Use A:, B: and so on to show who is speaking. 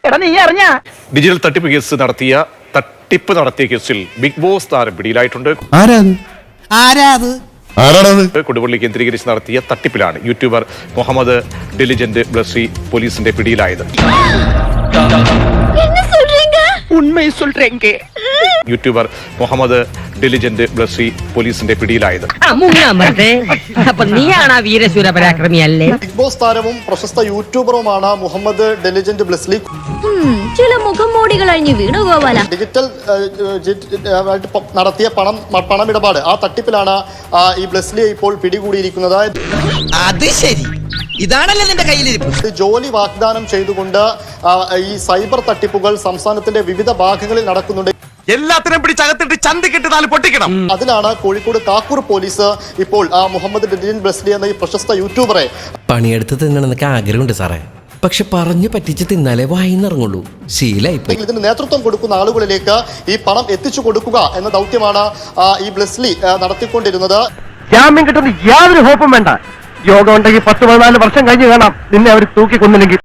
A: എടാ നീ അറിഞ്ഞ
B: ഡിജിറ്റൽ തട്ടിപ്പ് നടത്തിയ കേസിൽ ബിഗ് ബോസ് താരം പിടിയിലായിട്ടുണ്ട്. കൊടുവള്ളി കേന്ദ്രീകരിച്ച് നടത്തിയ തട്ടിപ്പിലാണ് യൂട്യൂബർ മുഹമ്മദ് ഡെലിജന്റ് ബ്ലസ്സി പോലീസിന്റെ പിടിയിലായത്. യൂട്യൂബർ മുഹമ്മദ് ഡെലിജന്റ് ബ്ലസ്സി പോലീസിന്റെ പിടിയിലായത്.
C: ബിഗ് ബോസ് താരവും പ്രശസ്ത യൂട്യൂബറുമാണ് മുഹമ്മദ് ഡെലിജന്റ് ബ്ലസ്ലി.
D: ചില മുഖംമൂടികൾ അഴിഞ്ഞ് വീണു ഗോപാല.
C: ഡിജിറ്റൽ നടത്തിയ പണമിടപാട്, ആ തട്ടിപ്പിലാണ് ഈ ബ്ലസ്ലിയെ ഇപ്പോൾ പിടികൂടിയിരിക്കുന്നത്.
E: അത് ശരി, ഇതാണല്ലേ നിന്റെ കയ്യിലിരിപ്പ്.
C: ജോലി വാഗ്ദാനം ചെയ്തുകൊണ്ട് ഈ സൈബർ തട്ടിപ്പുകൾ സംസ്ഥാനത്തിന്റെ വിവിധ ഭാഗങ്ങളിൽ നടക്കുന്നുണ്ട്.
E: എല്ലാത്തിനും പിടിച്ചകത്തിട്ട് ചന്തിക്കിട്ട് നാല് പൊട്ടിക്കണം.
C: അതിലാണ് കോഴിക്കോട് കാക്കൂർ പോലീസ് ഇപ്പോൾ മുഹമ്മദ് ഡെലിജന്റ് ബ്ലസ്ലി എന്ന ഈ പ്രശസ്ത യൂട്യൂബറെ
F: പണിയെടുത്ത് തിന്നണമെന്നൊക്കെ ആഗ്രഹമുണ്ട് സാറേ, പക്ഷെ പറഞ്ഞു പറ്റിച്ച് തിന്നാലേ വായിന്നിറങ്ങുള്ളൂ. ശീലായിപ്പോയി.
C: ഇതിന് നേതൃത്വം കൊടുക്കുന്ന ആളുകളിലേക്ക് ഈ പണം എത്തിച്ചു കൊടുക്കുക എന്ന ദൗത്യമാണ് ഈ ബ്ലസ്ലി നടത്തിക്കൊണ്ടിരുന്നത്.
A: ജാമ്യം കിട്ടുന്ന യാതൊരു ഹോപ്പും വേണ്ട. യോഗം ഉണ്ടെങ്കിൽ 10-14 വർഷം കഴിഞ്ഞ് കാണാം നിന്നെ അവർ തൂക്കി കൊന്നില്ലെങ്കിൽ.